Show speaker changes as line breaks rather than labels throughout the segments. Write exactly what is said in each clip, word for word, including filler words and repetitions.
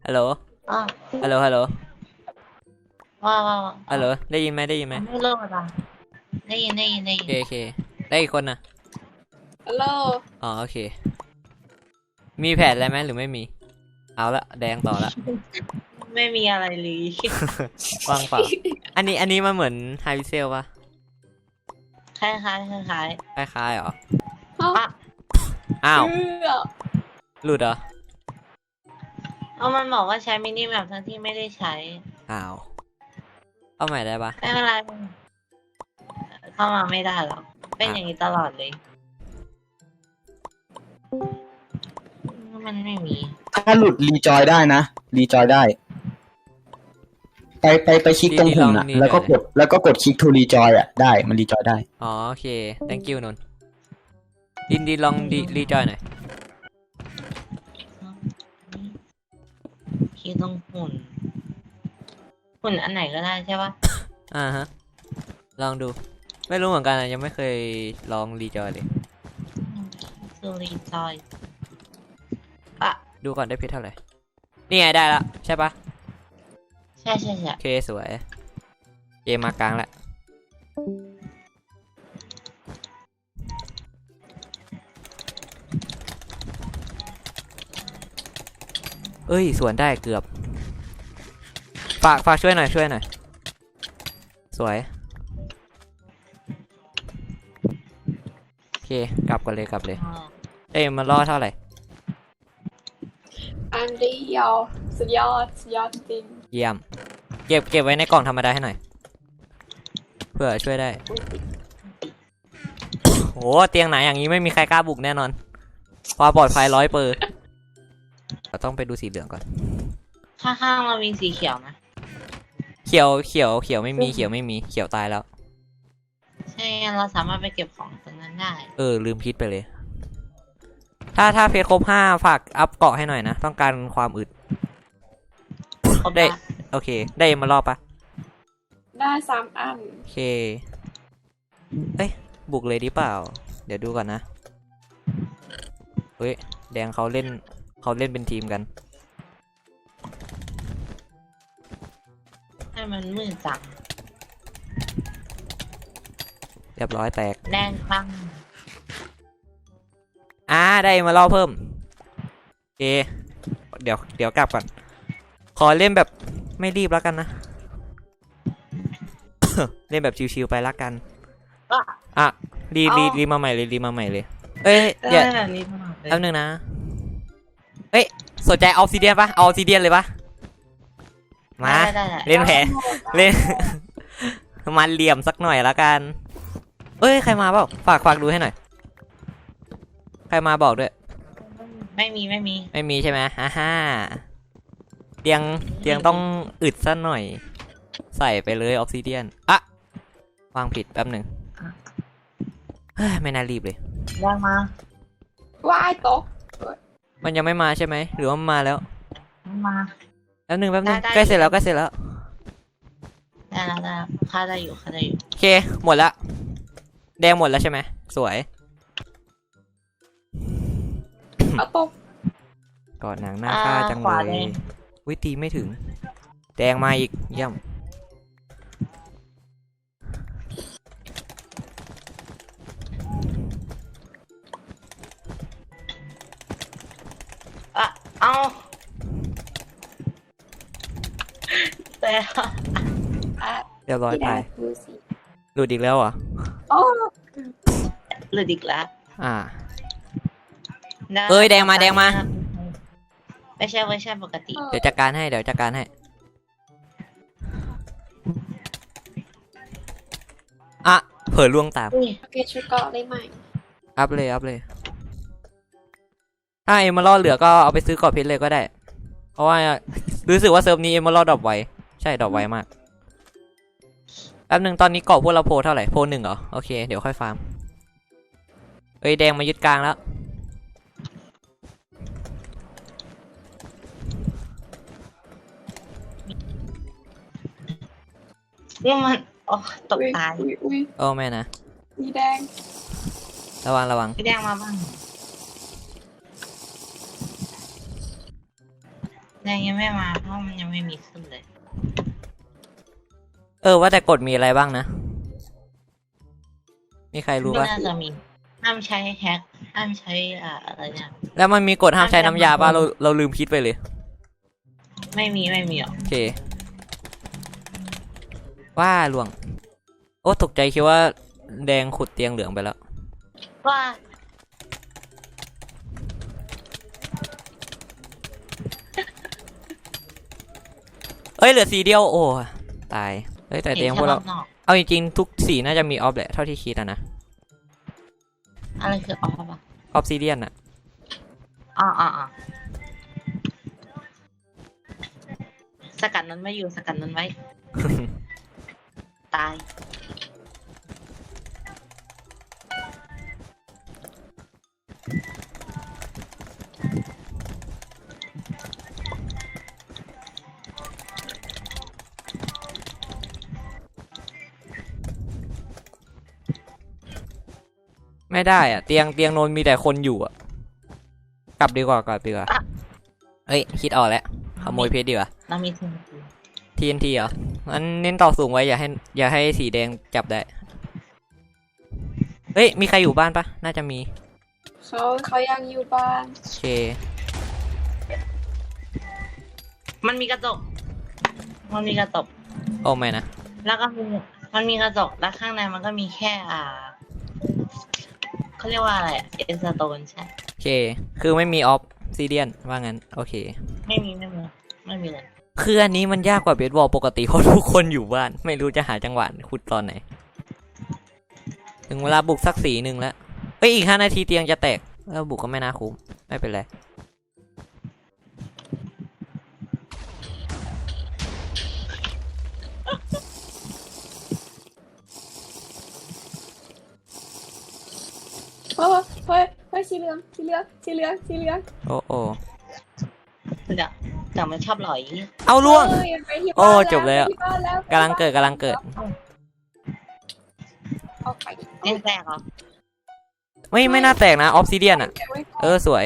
ฮัลโหล
อ๋อ
ฮัลโหลฮัลโหล
ว่าว่า
ฮัลโหลได้ยินไหมได้ยินไหม
ไม่รู้อ่ะได้ยินได้ยินได้ยิน
โอเคโอเคได้อีกคนนะ
ฮัลโหล
อ๋อโอเคมีแผนอะไรไหมหรือไม่มีเอาละแดงต่อละ
ไม่มีอะไรเลย
ว่างเปล่าอันนี้อันนี้มันเหมือนไฮพิเซลปะ
คล้ายคล้ายคล้ายคล้าย
คล้ายๆเหรอ
อ่ะ
อ้าว
เชื่อ
หลุดเหรอ
เอามันบอกว่าใช้มินิแมปทั้งที่ไม่ได้ใช้
อ้าวเอาใหม่ได้ปะ
ไม่เป็นไรเข้ามาไม่ได้หรอกเป็นอย่างนี้ตลอดเลยมันไม่มี
ถ้าหลุดรีจอยได้นะรีจอยได้ ไปไปไปคลิกตรงหุ่นอ่ะแล้วก็กดแล้วก็กดคลิกทูรีจอยอ่ะได้มันรีจอยได้
อ๋อโอเค thank you นนท์ดินดีลองดีรีจอยหน่อย
คีย์ตรงหุ่นหุ่นอันไหนก็ได้ใช่ปะ
อ่าฮะลองดูไม่รู้เหมือนกันนะยังไม่เคยลองรีจอยเลย
ซูรีจอยอ่ะ
ดูก่อนได้เพชรเท่าไหร่นี่ไงได้ละใช่ปะ
ใช่ใช่ใช่
โอเคสวยเกมมากลางแล้วเอ้ยสวนได้เกือบฝากฝากช่วยหน่อยช่วยหน่อยสวยโอเคกลับกันเลยกลับเลย
อ๋อ
เอ้ยมันล่อเท่าไหร่
อันเดียวสุดยอดสุดยอดจริง
เยี่ยมเก็บเก็บไว้ในกล่องธรรมดาให้หน่อยเพื่อช่วยได้โอ้เตียงไหนอย่างนี้ไม่มีใครกล้าบุกแน่นอนความปลอดภัยร้อยเปอร์เราต้องไปดูสีเหลืองก่อน
ข้างๆเรามีสีเขียวนะ
เขียวเขียวเขียวไม่มีเขียวไม่มีเขียวตายแล้ว
ใช่งั้นเราสามารถไปเก็บของตรงนั้นได้
เออลืมคิดไปเลย ถ้าถ้าเพจครบห้าฝากอัพเกาะให้หน่อยนะต้องการความอึด
ครบ
ได้
แล้ว
โอเคได้มารอบปะ
ได้สามอัน
โอเคเอ้ยบุกเลยดีเปล่าเดี๋ยวดูก่อนนะเฮ้ยแดงเขาเล่นเขาเล่นเป็นทีมกัน
ให้มันมืดจัง
เรียบร้อยแตก
แดงคลั่ง
อ่าได้มาเล่าเพิ่มโอเคเดี๋ยวเดี๋ยวกลับก่อนขอเล่นแบบไม่รีบแล้วกันนะ เล่นแบบชิวๆไปละกัน
อ่ะ
อ่ะรีรีรีมาใหม่เลยรีมาใหม่เลยเอ้ย
ได้
เดี๋ยว
แบบนี้ตลอดเลย
แป๊บนึงนะเอ้ยสนใจออฟซิเดียนปะเอาออฟซิเดียนเลยปะมา
ได้ได้ได้
เล่นแผลเล่น มันเหลี่ยมสักหน่อยละกันเอ้ยใครมาเปล่าฝากฝากดูให้หน่อยใครมาบอกด้วย
ไม่มีไม่มี
ไม่มีใช่ไหมฮ่าฮ่าเตียงเตียงต้องอึดสักหน่อย ใส่ไปเลยออฟซิเดียนอะวางผิดแป๊บหนึ่งเฮ้ยไม่น่ารีบเลย
แดงมา
ว่ายตก
มันยังไม่มาใช่ไหมหรือว่ามันมาแล้ว
มา
แป๊บหนึ่งแป๊บหนึ่ง
ได้ได้
ใกล้เสร็จแล้วใกล้เสร็จแล้ว
ได้แล้วได้แล้วค่าได้อยู่ค่าได้อยู่
โอเคหมดละแดงหมดแล้วใช่ไหมสวย
เอาตก
กอดหนังหน้าค่าจัง
ข
เล
วาแด
ย
ง
วิตีไม่ถึง แดงมาอีกเยี่ยม
อ่ะเอาแต่
อ่ะ
เรียบร้อย
ที่
ไป
ได้ดูสิ
หลุดอีกแล้วเหรอ
โอ้
หลุดอีกแล้ว
อ่า
ได้
เอ้ยแดงมาแดงมา
ไม่ใช่เวอร์ชันปกติ
เดี๋ยวจัดการให้เดี๋ยวจัดการให้อ่ะเผลอล่วงตาม
อุ้ย
โอเคชุดเกาะได้ไหม
อัพเลยอัพเลย ถ้าเอมเมอรัลเหลือก็เอาไปซื้อกรอบเพชรเลยก็ได้ เพราะว่ารู้สึกว่าเซิร์ฟนี้เอมเมอรัลดรอปไวใช่ดรอปไวมากแป๊บหนึ่งตอนนี้เกาะพวกเราโพเท่าไหร่โพหนึ่งเหรอโอเคเดี๋ยวค่อยฟาร์มเอ้ยแดงมายึดกลางแล้ว
นี่มันโอ้ตก
อุ้ย
ตาย
อุ้ยอุ้ย
โอ้แม่นะ
มีแดง
ระวังระวัง
พี่แดงมาบ้างแดงยังไม่มาเพราะมันยังไม่มีขึ้นเลย
เออว่าแต่กฎมีอะไรบ้างนะ มีใครรู้
ไม่
ปะ
น่าจะมีห้ามใช้แฮกห้ามใช้อ่าอะไรเนี่ย
แล้วมันมีกฎห้ามใช้น้ำยาป่ะเราเราลืมคิดไปเลย
ไม่มีไม่มีหรอก
โอเค ว่าหลวง โอ้ตกใจคิดว่าแดงขุดเตียงเหลืองไปแล้ว
ว่า
เอ้ยเหลือสีเดียวโอ้ตายเอ้ยแต่เตียงพวกเรา
ห็นแค่รอบนอก
เอาจริงๆทุกสีน่าจะมีออฟแหละเท่าที่คิดอะนะ
อะไรคือออฟอ่ะ
ออฟซิเดียนอะ
อ๋ออ๋ออ๋อสกัดนั้นไม่อยู่สกัดนั้นไว้ ตาย
ไม่ได้อะเตียงเตียงโนนมีแต่คนอยู่อะกลับดีกว่ากลับดีกว่าเอ้ยคิดออกแล้วขโมยเพชรดีกว่า
เรามีทุน
ที เอ็น ที เหรองั้นเน้นต่อสูงไว้อย่าให้อย่าให้สีแดงจับได้เฮ้ยมีใครอยู่บ้านปะน่าจะมี
เขาเขายังอยู่บ้าน
โอเค
มันมีกระจก มันมีกระจก
โอ้ไม่นะ
แล้วก็มีมันมีกระจก แล้วข้างในมันก็มีแค่อ่าเขาเรียกว่าอะไรเอ็นสโตนใช่
โอเค คือไม่มีออฟซิเดียนว่างั้นโอเค
ไม่มีไม่มีไม่มีเลย
คืออันนี้มันยากกว่าเบสบอลปกติเพราะทุกคนอยู่บ้าน ไม่รู้จะหาจังหวะขุดตอนไหน ถึงเวลาบุกสักสีหนึ่งแล้วเอ้ยอีกห้านาทีเตียงจะแตกแล้วบุกก็ไม่น่าคุ้มไม่เป็นไร
เฮ้ยเฮ้ยเฮ้ยสีเหลืองสีเหลืองสีเหลืองสีเหลือง
โอ้โอ้
เดี๋ยวแต่มันชอบหลอย
เอาล่วง
เอ้ยไปที่
โอ้
บ้าน
จบแล้ว
ไปที่บ้านแล้ว
กำลังเกิดกำลังเกิด
เอาไป
เล่นแตกเหรอ
ไม่ไม่น่าแตกนะออฟซิเดียนอ่ะ
เก็บไว้ก่อน
เออสวย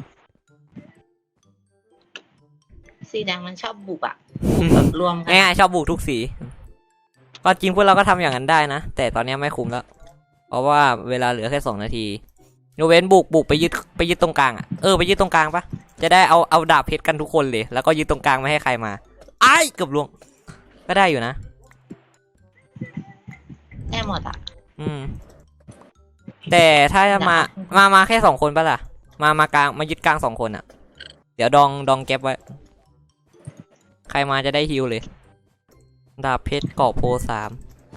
สีแดงมันชอบบุกอ่ะบุกแบบรวมกัน
ง่ายๆชอบบุกทุกสีก็จริงพวกเราก็ทำอย่างนั้นได้นะ แต่ตอนนี้ไม่คุ้มแล้ว เพราะว่าเวลาเหลือแค่สองนาทียกเว้นบุกบุกไปยึดไปยึดตรงกลางอ่ะเออไปยึดตรงกลางปะจะได้เอาเอาดาบเพชรกันทุกคนเลย แล้วก็ยึดตรงกลางไม่ให้ใครมาไอ้เกือบล่วงก็ได้อยู่นะ
ได้หมดอ่ะ
อืม แต่ถ้าจะมามามาแค่สองคนปะล่ะ มามากลางมายึดกลางสองคนอ่ะ เดี๋ยวดองดองแก๊ปไว้ ใครมาจะได้ฮิวเลย ดาบเพชรเกาะโพสาม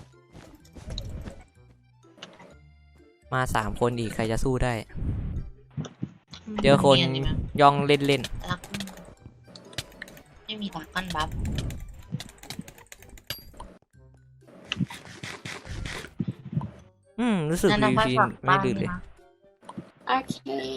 มาสามคนอีกใครจะสู้ได้ เจอคน
มีอัไหม
ย่องเล่นเล่น
รักไม่มีตาก้อนบัฟ
อืมรู้สึก
นั่น
วี
เราไป
พี
ฝาก
ไม่
บ้าน
ดื้อเลย
นะ
โอเค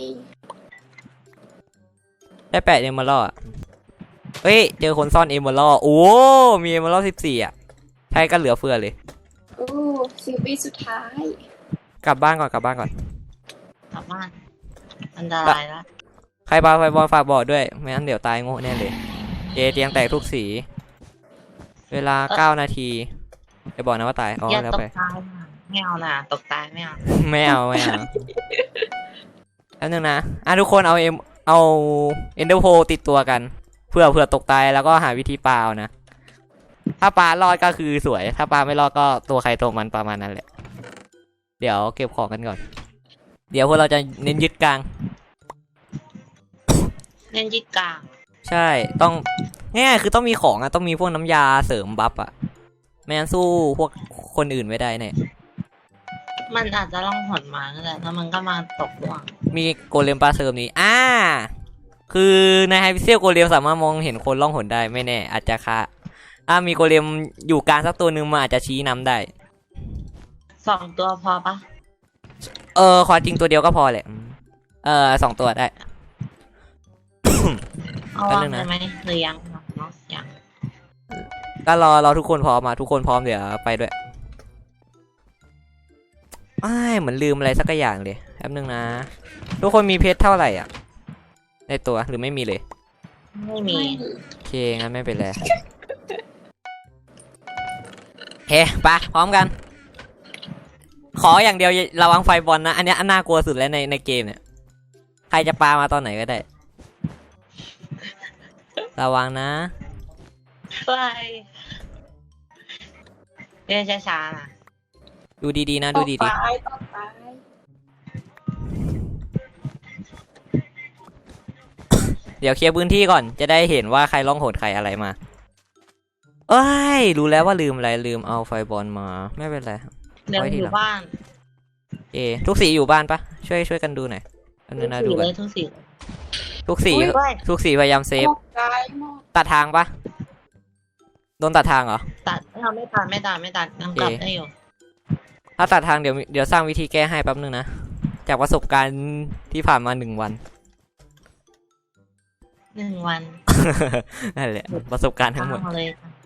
ได้แปดเอมเมอรัลด์อ่ะเฮ้ยเจอคนซ่อนเอมเมอรัลด์โอ้มีเอมเมอรัลด์สิบสี่อ่ะใช้กันเหลือเฟือเลย
อู้สิบวิสุดท้าย
กลับบ้านก่อนกลับบ้านก่อน
กลับบ้านอันตรายแล้ว
ใครปาไฟบอลฝากบอกด้วยไม่งั้นเดี๋ยวตายโง่แน่เลยเจเตียงแตกทุกสี เวลาเก้านาทีจะบอกนะว่าตายอ๋อ
อย่า
แล้ว
ต
ไป
กตายนะไม่เอานะตกตายไม่เอา
ไม่เอาไม่เอาแล้วนึงนะอ่ะทุกคนเอาเอ็มเอาเอ็นเดอร์โพติดตัวกันเพื่อเผื่อตกตายแล้วก็หาวิธีปาเอานะถ้าปลารอดก็คือสวย ถ้าปลาไม่รอดก็ตัวใครตัวมันประมาณนั้นแหละเดี๋ยวเก็บของกันก่อน เดี๋ยวพวกเราจะเน้นยึดกลาง
เล่นยึดกลาง
ใช่ต้องง่ายๆคือต้องมีของอะต้องมีพวกน้ำยาเสริมบัฟอะไม่งั้นสู้พวกคนอื่นไม่ได้เนี่ย
มันอาจจะล่องหนมาก็ได้แล้วมันก็มาตกล่วง
มีโกเลมปลาเสริมนี้อ่าคือในไฮพิเซลโกเลมสามารถมองเห็นคนล่องหนได้ไม่แน่อาจจะค่ะถ้ามีโกเลมอยู่กลางสักตัวหนึ่งมันอาจจะชี้นำได้
สองตัวพอปะ
เออขอจริงตัวเดียวก็พอแหละเออสองตัวได้
เอา
แป๊บ
วาง
นึงนะ
ได้ไหมหรือยังเนาะยัง
ก็รอรอทุกคนพร้อมมาทุกคนพร้อมเดี๋ยวไปด้วยอ้ายเหมือนลืมอะไรสักอย่างเลยแป๊บนึงนะทุกคนมีเพชรเท่าไหร่อ่ะในตัวหรือไม่มีเลย
ไม่มี
ไม่มี
โอเคงั้นไม่เป็นไรเฮ้ไปพร้อมกัน ขออย่างเดียวระวังไฟบอลนะ อันเนี้ยอันน่ากลัวสุดแล้วในในเกมเนี่ย ใครจะปามาตอนไหนก็ได้ ระวังนะ
ไปเรียนช้าๆนะ
ดูดีๆนะ
ต
ดู
ก
ดี
ตายตกตาย
ๆ เดี๋ยวเคลียร์พื้นที่ก่อนจะได้เห็นว่าใครร้องโหดใครอะไรมา เอ้ย รู้แล้วว่าลืมอะไรลืมเอาไฟบอลมาไม่เป็นไร
เรียนอยู่บ้าน
เอทุกสีอยู่บ้านปะช่วยช่วยกันดูหน่อยอัน
ทุ
นึ
ก
งนะ
สี
ดู
เล
กัน
ยทุกสีเลย
ทุกสี
อุ๊ยด้วย
ทุกสีพยายามเซฟ
ตกตายหมด
ตัดทางปะโดนตัดทางเหรอ
ตัดเราไม่ตัดไม่ตัดไม่ตัดยังกลับได้อยู่
ถ้าตัดทางเดี๋ยวเดี๋ยวสร้างวิธีแก้ให้แป๊บนึงนะ จากประสบการณ์ที่ผ่านมาหนึ่งวัน
หนึ่งวัน
นั่นแหละประสบการณ์ทั้งหมด
เอาเลย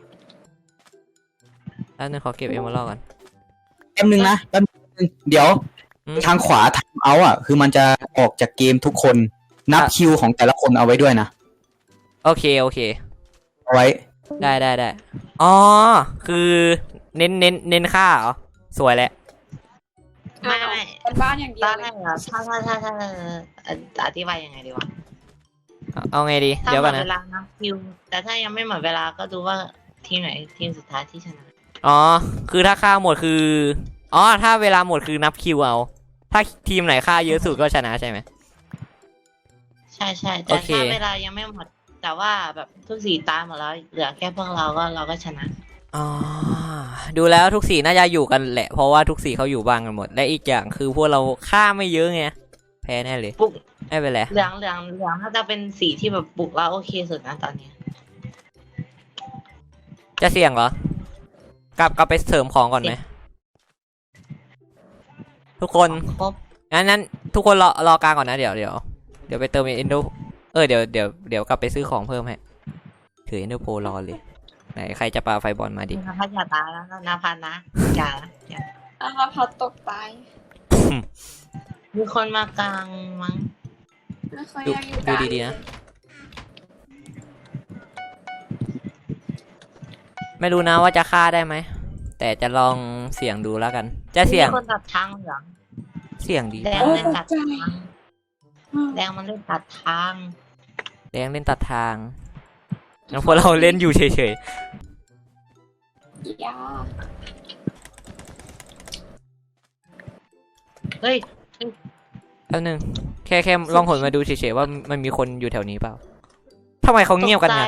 แล้วนึงขอเก็บเอมเมอรัลด์ก่อน
แป๊บนึงนะแป๊บนึงเดี๋ยว
อืม
ทางขวาทางเอาอ่ะ คือมันจะออกจากเกมทุกคนนับ
อ่ะ
คิวของแต่ละคนเอาไว้ด้วยนะ
โอเคโอเค
เอาไว้
ได้ได้ได้อ๋อคือเน้นเน้นเน้นค่าเหรอสวยแหละ
ไม่ไม่
เป็นบ้านอย่างเดีย
ตอ
วน
แรกเหรอถ้าถ้าถ้าถ้าเอ่ออธิบายยังไงดีวะ
เอาเอาไงดี
ถ้า
เดี๋ยว
หม
ก่อน
ด
นะ
เวลานะคิวแต่ถ้ายังไม่หมดเวลาก็ดูว่าทีมไหนทีมสุดท้ายที่ชนะ
อ๋อคือถ้าค่าหมดคืออ๋อถ้าเวลาหมดคือนับคิวเอา ถ้าทีมไหนค่าเยอะสุดก็ชนะใช่ไหม
ใช่ใช่
โอ
แต่
เค
ถ้าเวลายังไม่หมด แต่ว่าแบบทุกสีตายหมดแล้วเหลือแค่พวกเราก็เราก็ชนะ
อ๋อดูแล้วทุกสีน่าจะอยู่กันแหละ เพราะว่าทุกสีเขาอยู่บ้านกันหมด และอีกอย่างคือพวกเราค่าไม่เยอะไงแพ้แน่เลย
ปลุก
ไม่เป็นไร
เหลืองเหลืองเหลืองถ้าจะเป็นสีที่แบบปลุกแล้วโอเคสุดนะตอนนี้
จะเสี่ยงเหรอ กลับกลับไปเสริมของก่อนไหมทุกคน
ครบ
งั้นนั้นทุกคนรอรอกลางก่อนนะเดี๋ยวเดี๋ยวเดี๋ยวไปเติมเอ็นโดเออเดี๋ยวเดี๋ยวเดี๋ยวกลับไปซื้อของเพิ่มให้ถือเอ็นโดโปรรอเลยไหนใครจะปาไฟบอลมาดิ
นภัสอย่าตายแล้วนะพันนะอย่านะอย่า
อ่ะแล้วพัดตกตาย
มีคนมากลางมั้ง
ไม่ค่อย
ดู
อยากอยู่
ดูดีๆนะ ไม่รู้นะว่าจะฆ่าได้ไหมแต่จะลองเสี่ยงดูแล้วกัน จะเสี่ยง
มีคนตัดทางเหลือง
เสี่ยงดี
แดง
โอ้
เล่น
ต
ตั
ก
ด
ใจ
ทางแดงมันเล่นตัดทาง
แดงเล่นตัดทางแล้วพวกเราเล่นอยู่เฉย
ยา
เฮ้ย
ๆแป๊บนึงแค่แค่ลองหนมาดูเฉยๆว่ามันมีคนอยู่แถวนี้เปล่าทำไมเขาเงียบกันเนี่ย
ตใจ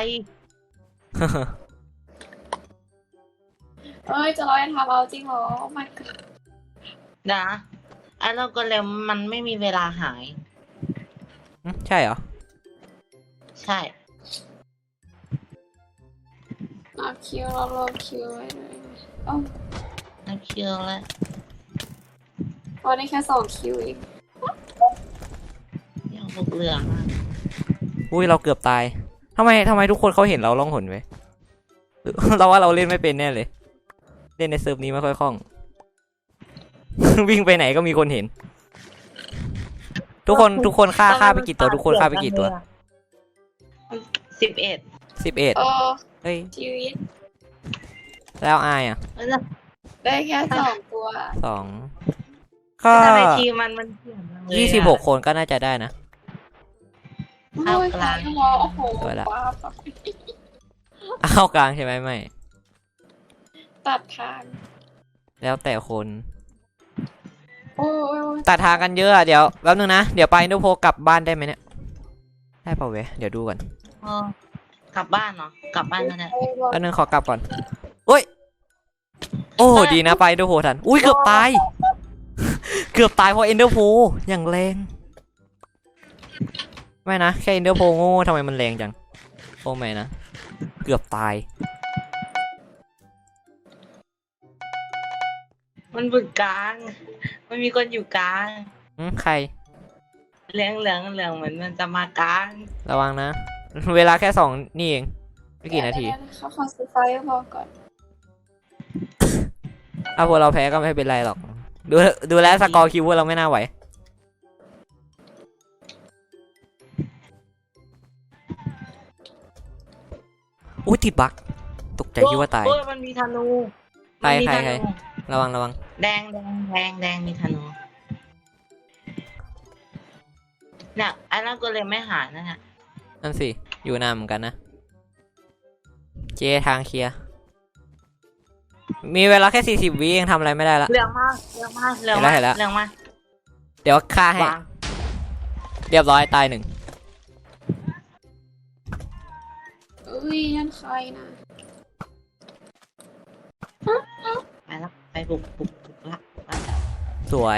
เอ้ยจะร้อยทำเอาจริงเหรอ oh my god
นะไอ้เราก็เลยมันไม่มีเวลาหาย
อืมใช่เหรอ
ใช่
เอาคิวเรารอคิวไว้เลยโอ้
นักเชียวแล้ว
พอได้แค่สองคิวเอง
ยังบุกเหลืองอะ
อุ้ยเราเกือบตายทำไมทำไมทุกคนเขาเห็นเราล่องหนไว้หรือ เราว่าเราเล่นไม่เป็นแน่เลย เล่นในเซิร์ฟนี้ไม่ค่อยคล่อง วิ่งไปไหนก็มีคนเห็น ทุกคนทุกคนฆ่าฆ่าไปกี่ตัวทุกคนฆ่าไปกี่ตัว
สิบเอ็ด
สิบเอ็ด
โอ้
เฮ้ย
ชีวิต
แล้วอายอ่ะ
ได้แค่สองตัว
สองก็
ทำไมทีมมันมันเสี่ยงจังเลยอะ
ยี่สิบหกคนก็น่าจะได้นะ
โอ้ยตายแล้วเหรอโอ้โห
สวยละ
ป้าบ
เอากลางใช่ไหมไม่
ตัดทาง
แล้วแต่คน
โอ้ยโอ้ย
ตัดทางกันเยอะอะเดี๋ยวแป๊บนึงนะ เดี๋ยวไปอินโดโพกลับบ้านได้ไหมเนี่ย ได้เปล่าเว้ยเดี๋ยวดูก่อน
เออกลับบ้านเนาะกลับบ้านก็ได้
โอ้ย
แป๊บนึงขอกลับก่อนโอ้ย โอ้ดีนะไปอินโดโพทัน อุ้ยเกือบตาย เกือบตายเพราะอินโดโพอย่างแรง ไม่นะแค่อินโดโพโง่ทำไมมันแรงจัง โอ้ไม่นะ เกือบตาย
มันบึกกลาง มันมีคนอยู่กลาง
อืมใคร
เหลืองเหลืองเหลืองเหมือนมันจะมากลาง
ระวังนะ เวลาแค่สองนี่เองไม่กี่นาที
เดี๋ยวๆเขาขอซื้อไฟพอก่อน
ถ้าพวกเราแพ้ก็ไม่เป็นไรหรอก ดูดูแลวสกอร์คิวพวกเราไม่น่าไหวอุ้ยติดบั๊กตกใจคิดว่าตาย
โอ้ยมันมีธนู
ใคร
มันมี
ใคร
ธ
ใคร
นู
ระวังระวัง
แดงแดงแดงแดงมีธนูเนี่ยไอ้นั่นก็เลยไม่หายนั่นน่ะ
นั่นสิอยู่นานเหมือนกันนะเจทางเคลียร์มีเวลาแค่สี่สิบวิยังทำอะไรไม่ได้ละ
เหลืองมากเหลืองมากเหลือง
เห็นแล้
มาว ก
เห็นแล้ว
เหลืองมาก
เดี๋ยวฆ่าให้
วาง
เรียบร้อยตายหนึ่ง
เอ้ยนั่นใครนะ
ไปแล้วไปบุกบุกบุกละบุกละ
สวย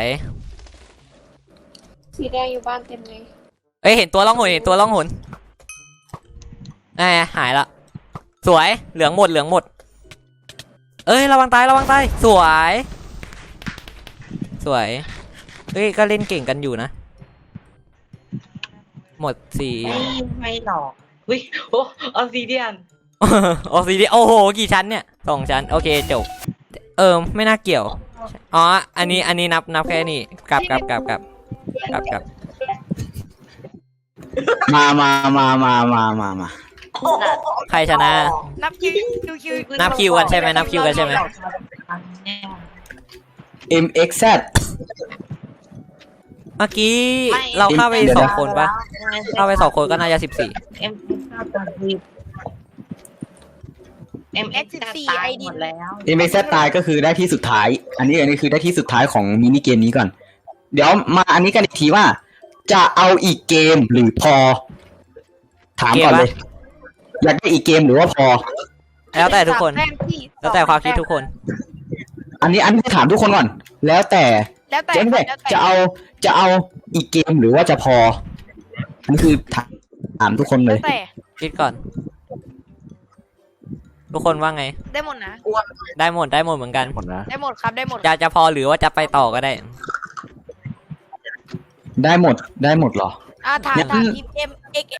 สีแดงอยู่บ้านเต็มเลย
เอ้ยเห็นตัวล่องหนเห็นตัวล่องหนแหมหายละสวยเหลืองหมดเหลืองหมดเอ้ยระวังตายระวังตายสวยสวยเฮ้ยก็เล่นเก่งกันอยู่นะหมดสี่
ไม่ไม่หลอกวิโอ้ออซิเดียน
ออกสีดีโอ้โหกี่ชั้นเนี่ยสองชั้นโอเคจบเออไม่น่าเกี่ยวอ๋ออันนี้อันนี้นับนับแค่นี้กลับกลับกลับกลับกลับกลับ
มามามามามามามา
ใครชนะ
นับคิวคิวคิว
นับคิวกันใช่ไหมนับคิวกันใช่ไหม
เอ็มเอ็กซ์แซด
เมื่อกี้เราเข้าไปสองคนปะเข้าไปสองคนก็น่าจะสิบสี่
เอ็มเอ็มเอ็กซ์สิบสี่ตายหมดแล้ว
เอ็มเอ็กซ์แซดตายก็คือได้ที่สุดท้าย อันนี้อันนี้คือได้ที่สุดท้ายของมินิเกมนี้ก่อน เดี๋ยวมาอันนี้กันอีกทีว่า จะเอาอีกเกมหรือพอ ถามก่อนเลย อยากได้อีกเกมหรือว่าพอ
แล้วแต่ทุกคน แล้วแต่ความคิดทุกคน
อันนี้อันนี้ถามทุกคนก่อน แล้วแต่
แล้วแต่
จะไม่
แล้วแต่
จะเอาจะเอาอีกเกมหรือว่าจะพอ อันนี้คือถามถามทุกคนเล
แล้ว
ย
แต่
คิดก่อน ทุกคนว่าไง
ได้หมดนะ
ได้หมดได้หมดเหมือนกัน
หมดนะ
ได้หมดครับได้หมด
จะจะพอหรือว่าจะไปต่อก็ได้
ได้หมดได้หมดเหรอ
อ่าถาม
งั้น
ถามทีมเอ็มเอ็ก